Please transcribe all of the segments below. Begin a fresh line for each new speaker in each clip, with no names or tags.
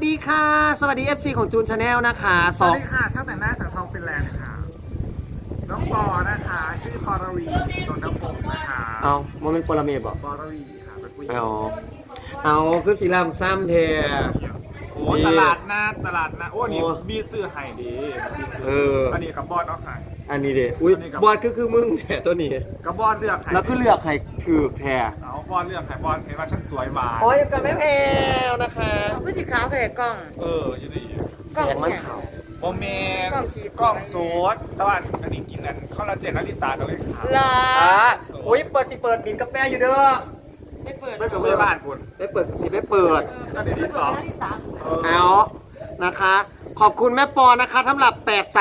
ดีค่ะสวัสดี FC ของจูนชาแนลนะคะ
สวัสดีค่ะช่างแต่งหน้าสังทองฟินแลนด์ค่ะน้องปอนะคะชื่อปอรวีนนทพงศ์นะคะ
เอาโมเมนต์โปรเมดบอก
ปอรวีค่ะเป็นผู้หญิง
เอาคือสีลำซ้ำเท
โอ้ตลาดนัดโอ้นี่มีซื้อไห่ดีมีซื้อันนี้กับบอสเอาไห่
อันนี้เด็อุ้ยบอสคือมึงแท้ตัวนี้
กับบอสเลือกไห่
แล้วก็เลือกไห่ถือแท้
เอาบอสเลือกไห่บอสเห็นว่าฉันสวยหวาน
โอ้ยกันไม่แพวนะคะ
ผู้สีขาวแผลกล้อง
อยู่ดี
แสงมันขาว
โมเมนกล้องโซดแต่ว่าอันนี้กินนั้นคอลลาเจนนาริตาเราเลยขาว
อุ้ยเปิดบินกาแฟอยู่เด้อ
ไม่เปิด
ไม่เปิดบ้านคุณ
ไม่เปิดสิไม่เปิด
ก็เดี๋ยวนี้ต่อ
เอานะคะขอบคุณแม่ปอนะคะสำหรับ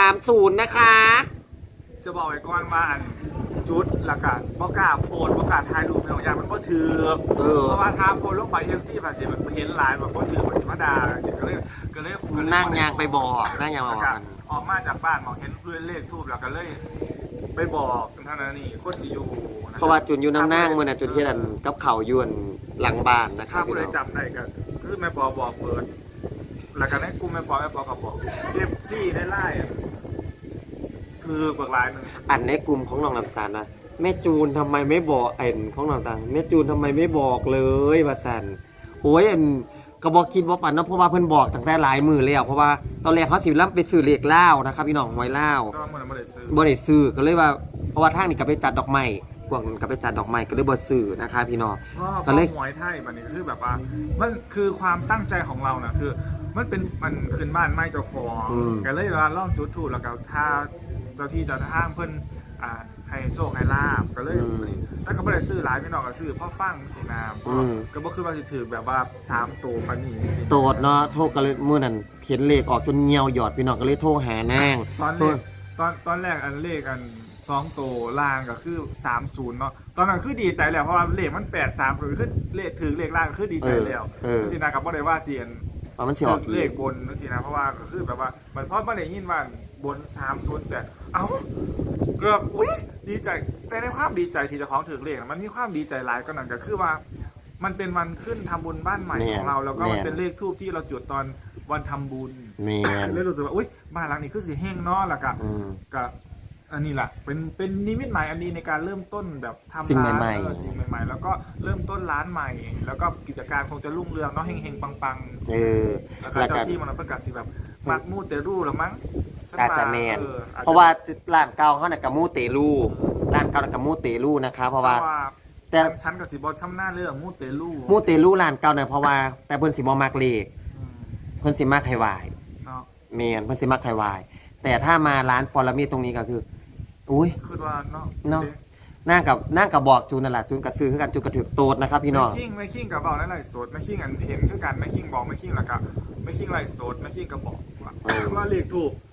830นะคะ
จะบอกไว้ก่อนว่าอันจุดหลักการประกาศโพลประกาศถ่ายรูปในของยางมันก็ถือเพราะว่าทางโพลลงไปเอฟซีภาษีมันเห็นหลายมันก็ถือมันจิมาดาก็เลย
นั่งยางไปบอกนั่งยางมาบอกกัน
ออกมาจากบ้านมองเห็นด้วยเลขทูบแล้วก็เลยไปบอกท่านนี่โคตรอยู่
เพราะว่าจุนอยู่นั่งเมื่อน่ะจุนที่นั่นกับเขายวนหลังบ้านนะครับ
ถ้าผู้ใดจำได้ก็คือแม่ปอบอกเปิดหลักการให้กูแม่ปอกับบอกเอฟซีได้ไล่คือบางรายหนึ่ง
อันในกลุ่มของน้องน้ำตาลนะแม่จูนทำไมไม่บอกเอ็นของน้องน้ำตาลแม่จูนทำไมไม่บอกเลยว่าสันโอ้ยเอ็นกระบอกคิดว่าฝันนะเพราะว่าเพิ่นบอกตั้งแต่หลายมือแล้วเพราะว่าตอนแรกเขาสิล่ำไปซื้อเลขเล่านะครับพี่น้องหวยเล่าบ่ได้ซื้อก็เลยว่าเพราะว่าทางนี้ก็ไปจัดดอกไม้พวกก็ไปจัดดอกไม้ก็เลยบ่ซื้อนะคะพี่น้อง
ก็เลยหวยไทยแบบนี้คือแบบว่ามันคือความตั้งใจของเรานะคือมันคืนบ้านไม่เจ้าของก็เลยว่าล่องจุดถูกแล้วก็ถ้าเจ้าที่เจ้าทางเพิ่นให้โชคให้ลาบก็เลยแต่ก็ไม่ได้ซื้อหลายพี่น้องก็ซื้อพ่อฟังสีน้ำก็บ่คือว่าสิถือแบบว่า3ตัวปานนี้
โตดเนาะโทรก็เลยมื้อนั้นเห็นเลขออกจนเหี่ยวหยอดพี่น้องก็เลยโทรหานาง
ตอนแรกอันเลขอัน2ตัวล่างก็คือ30เนาะตอนนั้นคือดีใจแล้วเพราะว่าเลขมัน830คือเลขถือเลขล่างคือดีใจแล้วสินะกับบ่ได้ว่าเสียน
มันสิออก
เลขบนนั่นสินะเพราะว่าก็คือแบบว่ามันพอบ่ได้ยินว่าบน30แต่เอ้าเกือบอุ๊ยดีใจแต่ในความดีใจที่เจ้าของถือเลขมันมีความดีใจหลายก็นั่นก็คือว่ามันเป็นวันขึ้นทำบุญบ้านใหม่ของเราแล้วก็มันเป็นเลขทูบที่เราจุดตอนวันทำบุญเลยรู้สึกว่าอุ๊ยบ้านหลังนี้คือสิเฮงเนาะแล้วก็อันนี้แหละเป็นนิมิตหมายอันนี้ในการเริ่มต้นแบบทำร้านสิ่งใหม่ๆแล้วก็เริ่มต้นร้านใหม่แล้วก็กิจการคงจะรุ่งเรืองเนาะเฮงๆปังๆแล้วก็เจ้าที่มันประกาศสิแบบมักมูเตรูหรือมั้ง
อาจจะแมนเพราะว่าร้านเก่าเขาเนี่ยกับมูเตลูร้านเก่ากับมูเตลูนะคะเพราะว่า
แต่ชั้นกับสีบอลช้ำหน้าเรื่องมูเต
ลูร้านเก่าเนี่ยเพราะว่าแต่เพิ่นสิบ่มักเลขเพิ่นสิมักไข่วายแมนเพิ่นสิมักไข่วายแต่ถ้ามาร้านปรมีตรงนี้ก็คืออุ้ย
คือว่าเนาะ
นั่งกับบอกจูนนั่นแหละจูนกับซื้อคือกันจูนกับถือโตดนะครับพี่น้อง
ไม่คิงกับบอกนั่นไรโสดไม่คิงอันเห็นคือกันไม่คิงบอกไม่คิงแล้วก็ไม่คิงไรโสดไม่คิงกับบอกว่าเลขถูก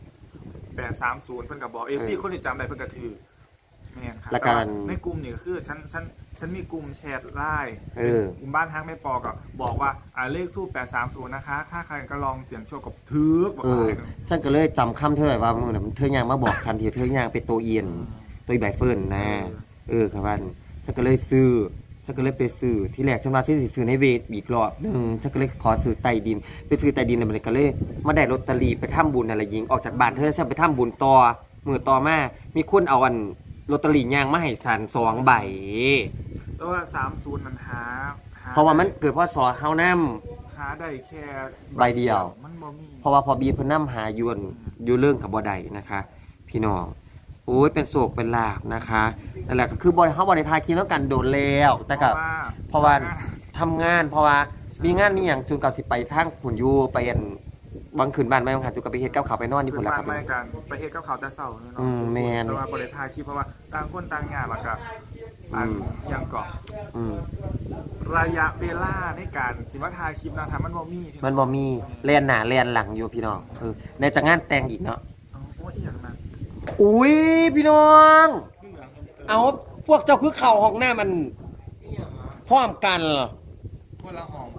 830เพิ่นกับบอกที่คนที่จำได้เพิ่นก็ถือเนี่ยครับแล้วกันในกลุ่มนี่ก็คือฉันมีกลุ่มแชทไลน์กลุ่มบ้านทางแม่ปอก็บอกว่าเลขทูบ830นะคะถ้าใครก็ลองเสี่ยงโชคกับถือบอกอะไร
ฉันก็เลยจำคำเธอว่ามึงน่ะเธอย่างมาบอกฉันทีเธอย่างเป็นตัวเอียนตัวใบเฟิร์นนะครับว่าฉันก็เลยซื้อฉันก็เลยไปซื้อที่แรกฉันว่าฉันสิซื้อในเวทอีกรอบนึงฉันก็เลยขอซื้อใต้ดินไปซื้อใต้ดินแล้วมันก็เลยมาได้ลอตเตอรี่ไปทำบุญอะไรยิงออกจากบ้านเธอฉันไปทำบุญต่อมือต่อมามีคนเอาอันลอตเตอรี่ย่างมาให้ฉัน2ใบ
แต่ว่า30มันหา
เพราะว่ามันเกิดเพราะสอเฮาน
ำหาได้แค่
ใบเดียวมันบ่มีเพราะว่าพอบีเพิ่นนำหาอยู่เรื่องกับบ่ได้นะคะพี่น้องโอ้ยเป็นโศกเป็นลาภนะคะนั่นแหละก็คือบ่เฮาบ่ได้ทายคิดแล้วกันโดนแล้วแต่ก็เพราะว่าทำงานเพราะว่ามีงานมีหยังจุนกับสิไปทางพุ่นอยู่ไปอันบางคืนบ้านไม่ต้องหาจุกไปเฮ็ดกับข้าวไปนอนที่พุ่นล่ะครับ
ไม่กันไปเฮ็ดกับข้าวแต่เช้าเนาะ
แม่น
แต่ว่าบ่ได้ถ่ายคลิปเพราะว่าต่างคนต่างงานแล้วก็ยังเกาะระยะเวลาในการสิมาถ่ายคลิปนะถ้ามันบ่
มีแล่นหน้าแล่นหลังอยู่พี่น้องในจังงานแต่งอีกเนาะ
โอ้ยอย่างนั้น
อุ้ยพี่น้องเอาพวกเจ้าคือเข่าห้องหน้ามันพร้อมกันเหรอ
คนละห้อง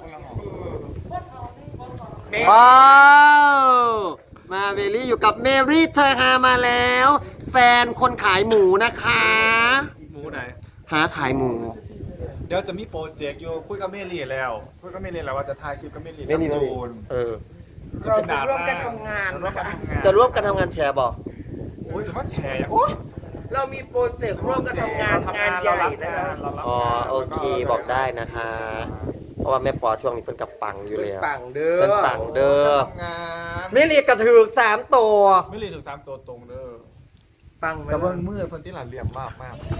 ว้าวมาเวลี่อยู่กับเมรี่เธอหามาแล้วแฟนคนขายหมูนะคะ
หมูไหน
หาขายหมู
เดี๋ยวจะมีโปรเจกต์อยู่คุยกับเมรี่แล้วว่าจะถ่ายคลิปกับเมรี่
กับจูน
เราจะร่วมกันทำงาน
ร่วมกันทำงาน
จะร่วมกันทำงานแชร์บอก
โอ้ยสมมติแชร์อย่างโอ้ย
เรามีโปรเจกต์ร่วมกันทำงานงานใหญ่นะครับ
อ๋อโอเคบอกได้นะคะ เพราะว่าแม่ปอช่วงนี้เพิ่นกับปังอยู่แล้ว
ปังเด้อ
เพิ่นปังเด้อ
ทำงาน
ไม่เรียกกระถือ3ตัว
ไม่เรียนถึง3ตัวตรงเด้อ
ปังไหม
กระเบื้องมือคนที่หลานเหลี่ยมมาก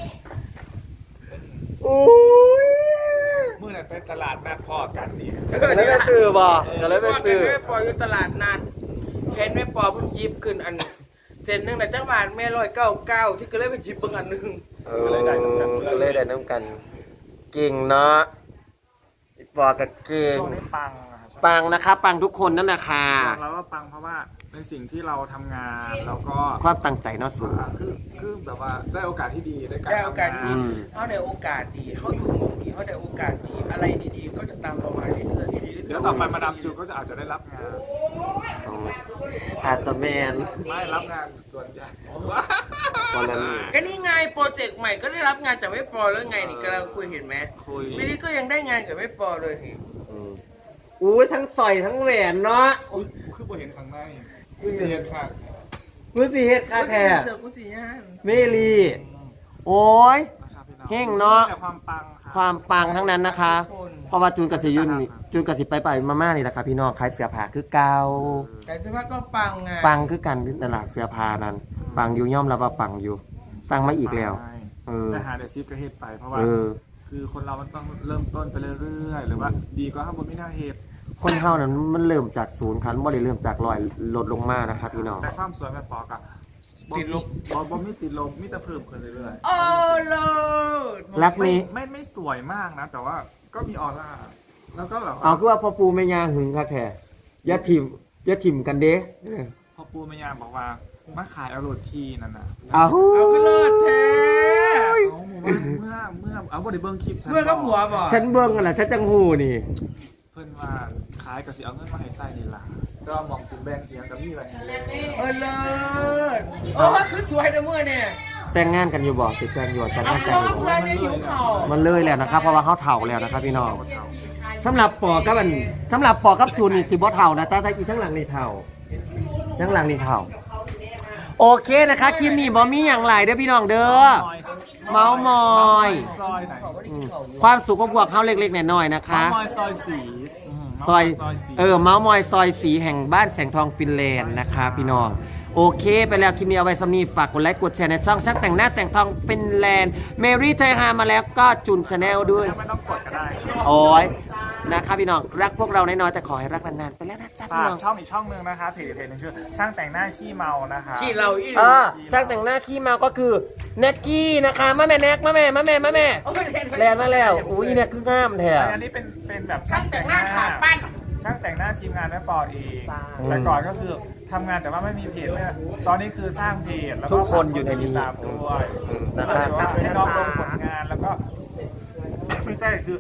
โอ้ย
มือนั้นไปตลาดนัดพ่อกันนี่
ก็เลยไปซื้อบอกก็เลยไปซื้อ
แม่ปออยู่ตลาดนัดเห็นแม่ปอเพิ่งยิบขึ้นอันเซนหนึงนะจังหวัดแม่199ที่ก็เลยไปยิบเบิ่งอันหนึง
ก็เลยได้น้ำกัน เก่งเนาะอีปอกับเก่ง
ช่วงนี้ปังอะ
ปังนะคะ ปังทุกคนนั่นแหละค่ะ
บอกแล้วว่าปังเพราะว่าเป็นสิ่งที่เราทำงานแล้วก็
ความตั้งใจเนาะสูง
คือแบบว่าได้โอกาสที่ดีได้การ
ได้โอกาส
ทำง
ดี
น
เขาได้โอกาสดีเขาอยู่หมุมดีเขาได้โอกาสดีอะไรดีๆก็จะตามเรามาเรื่อยๆ
เดี๋ยวต่อไปมาดามจูก็อาจจะได้รับงาน
อาจจะแมน
ไม่รับงานส่วนใหญ่
ตอนนั้น
ก็นี่ไงโปรเจกต์ใหม่ก็ได้รับงานจากไม่ปอแล้วไงนี่กำลังคุยเห็นไหม
คุย
ไม่ได้ก็ยังได้งานกับไม่ปอเลยนี่
อุ้ยทั้งสอยทั้งแหวนเนาะ
อุ๊ยคือบ่เห็นข้างในคือเห็นค่ะ
มือสีเฮ็ดค่าแท้
เสือกุศิย่าน
เมลีโอ้ย
นะครับพี่น้อง
เฮ้งเนาะ
แต่ความปังค่ะ
ความปังทั้งนั้นนะคะ เพราะว่าจูนกับสิยุนนี่จูนกับสิไปมานี่แหละครับพี่น้องขายเสื้อผ้าคือเก่า
แต่เสื้อผ้าก็ปังไง
ปังคือกันนั่นแหละเสื้อผ้านั้น ปังอยู่ย่อมรับว่าปังอยู่สร้างมาอีกแล้ว
ใช่
เออ
แต่หาเดซิฟก็เฮ็ดไปเพราะว่า
เออ
คือคนเรามันต้องเริ่มต้นไปเรื่อยๆหรือว่าดีก็ข้างบนไม่น่าเฮ็ด
คนเฮานั้นมันเริ่มจากศูนย์คันบ่ได้เริ่มจากร้อยลดลงมานะครับพี่น้อง
แต่ความสวยแม่ปอกอะติดลบบ่มีติดลบมีแต่เพิ่มขึ้นเรื่อย
โอ้โลด
รัก
ๆ
นี้
ไม่สวยมากนะ แต่ว่าก็มีออร่าแล้วก็แบบ
เอาคือว่าพ่อปูแม่ย่าหึงค่ะแท้อย่าถิ่มกันเด้
พอปูแม่ยามบอกว่ามาขายเอาโรดทีนั่นน่ะ
เอา
เอาก็เลิศแท้
เอาหมู่บ้านเมื่อเอาบ่ได้เบิ่งคลิปฉัน
เมื่อก็ผัวบอก
ฉันเบิ่งกันล่ะฉันจังหูนี่
เพิ่นว่าขายก็สิเอาเงินมาให้ใส่นี่ล่ะก็มองถึงแบงค์เสียงกับมีอะไรอย่างเงี้ย
เออเลิศโอ้คือสวยนะเมื่อเนี่ย
แต่งงานกันอยู่บ่สิแต่งอยู่แต่ง
เอา
งาน
เพ
กัน
ราะ
อยู่
ว่าเพื่อนไม่หิวเข่า
มันเลยแล้วนะครับเพราะว่าเฮาเฒ่าแล้วนะครับพี่น้องสำหรับปอกับสำหรับปอกับจูนนี่สิบ่เฒ่านะแต่ถ้าอีทั้งหลังนี่เฒ่าทั้งหลังนี่เฒ่าโอเคนะคะคลิปนี้บ่มีหยังหลายเด้อพี่น้องเด้อ เมาส์มอย
ซอยไหน
ความสุขของพวกเขาเล็กๆน้อยๆนะคะ
เมาส์มอยซอยสี
ซอย
สี
เมาส์มอยซอยสีแห่งบ้านแสงทองฟินแลนด์นะคะพี่น้องโอเคไปแล้วคลิปนี้เอาไว้สำนีฝากกดไลค์กดแชร์ในช่องช่างแต่งหน้าแสงทองฟินแลนด์เมรี่ไทยฮามาแล้วก็จุนชาแนลด้วย
ไม่ต้องกดก็ได้
โอ้ยนะคะพี่น้องรักพวกเราน้อยๆแต่ขอให้รักนานๆไปแล้วนะจ๊ะพี่
ฝาก
น้อง
ช่องอีกช่องหนึงนะคะเพจหนึงชื่อช่างแต่งหน้าขี้เมานะคะ
ขี้เราอีก
ช่างแต่งหน้าขี้เมาก็คือแน็กกี้นะคะมาแม่แน็กมาแม่แลนมาแล้วอุ้ยแน็กคืองามแท้
อันนี้เป็นแบบ
ช่างแต่งหน้าขาปั้น
ช่างแต่งหน้าทีมงานแม่ปอเอง
จ้า
แต่ก่อนก็คือทำงานแต่ว่าไม่มีเพจเลยตอนนี้คือสร้างเพจแล้วก็
ทุกคนอยู่ในนี้
ตามด้วย
นะ
ก็
ครับ
เลยว่าให้น้องลงผลงานแล้วก็ไม่ใช่คือ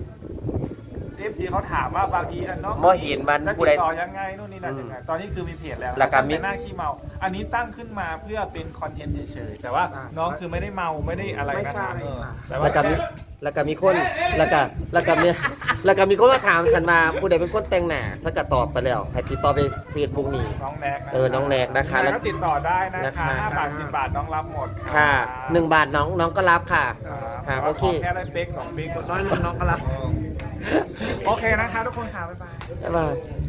FC เขาถามว่าบางทีน้อง
บ่เห็นมัน
จะ
ผู้
ติ
ใด
ดต่อยังไงนู่นนี่นั่นยังไงตอนนี้คือมีเพจแล้ว
แล้วก็มี
ช่างแต่งหน้าขี้เมา อันนี้ตั้งขึ้นมาเพื่อเป็นคอนเทนต์เฉยๆแต่ว่าน้องคือไม่ได้เมาไม่ได้อะไรนะครับแต่ว่า
แล้วก็มีคนแล้วก็มีคนมาถามฉันมาผู้ใดเป็นคนแต่งหน้าฉันก็ตอบไปแล้วให้ติดต่อไปเฟซบุ๊กนี่
น้องแนก
น้องแนกนะคะ
แล้วก็ติดต่อได้นะคะ
นะคะ
5 บาท 10 บาทน้องรับหมด
ค่ะ1 บาทน้องก็รับค่ะ
ค่ะ
โอเค
แค่ได้เป๊ก2 เป๊กคนน้อยน้องก็รับ โอเคนะคะทุกคนค่ะบ๊ายบาย
บ๊ายบาย